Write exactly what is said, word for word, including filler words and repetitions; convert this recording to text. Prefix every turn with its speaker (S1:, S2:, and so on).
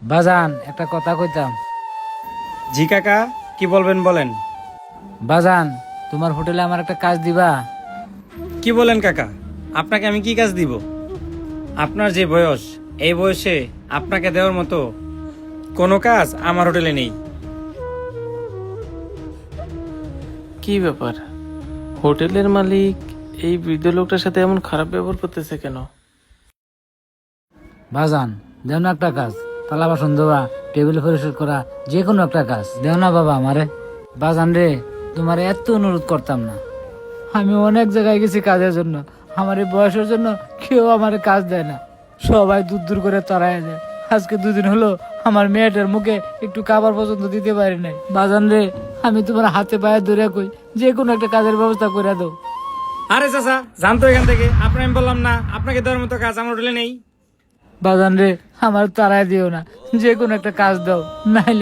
S1: বাজান একটা কথা কইতাম।
S2: জি কাকা, কি বলবেন বলেন।
S1: বাজান, তোমার হোটেলে আমার একটা কাজ দিবা?
S2: কি বলেন কাকা, আপনাকে আমি কি কাজ দিব? আপনার যে বয়স, এই বয়সে আপনাকে দেওয়ার মতো কোনো কাজ আমার হোটেলে নেই।
S3: কি ব্যাপার, হোটেলের মালিক এই বৃদ্ধ লোকটার সাথে এমন খারাপ ব্যবহার করতেছে কেন?
S1: বাজান, দেও না একটা কাজ, থালা বাসন ধোয়া, টেবিল পরিষ্কার করা, যে কোনো একটা কাজ দেও না বাবা আমারে। বাজান রে, তোমার এত অনুরোধ করতাম না। আমি অনেক জায়গায় গেছি কাজের জন্য, আমার এই বয়সের জন্য কেউ আমার কাজ দেয় না, সবাই দূর দূর করে তাড়ায় যায়। আজকে দুদিন হলো আমার মেয়েটার মুখে একটু খাবার পর্যন্ত দিতে পারি নাই। বাজান রে, আমি তোমার হাতে পায়ে ধরে কই, যে কোনো একটা কাজের ব্যবস্থা করে দাও।
S2: আরে চাচা, জানতো এখান থেকে, আপনার আমি বললাম না আপনাকে দেওয়ার মতো কাজ আমার হোটেলে নেই।
S1: বাজান রে, আমার তাড়ায় দিও না, যে কোনো একটা কাজ দাও, নাইলে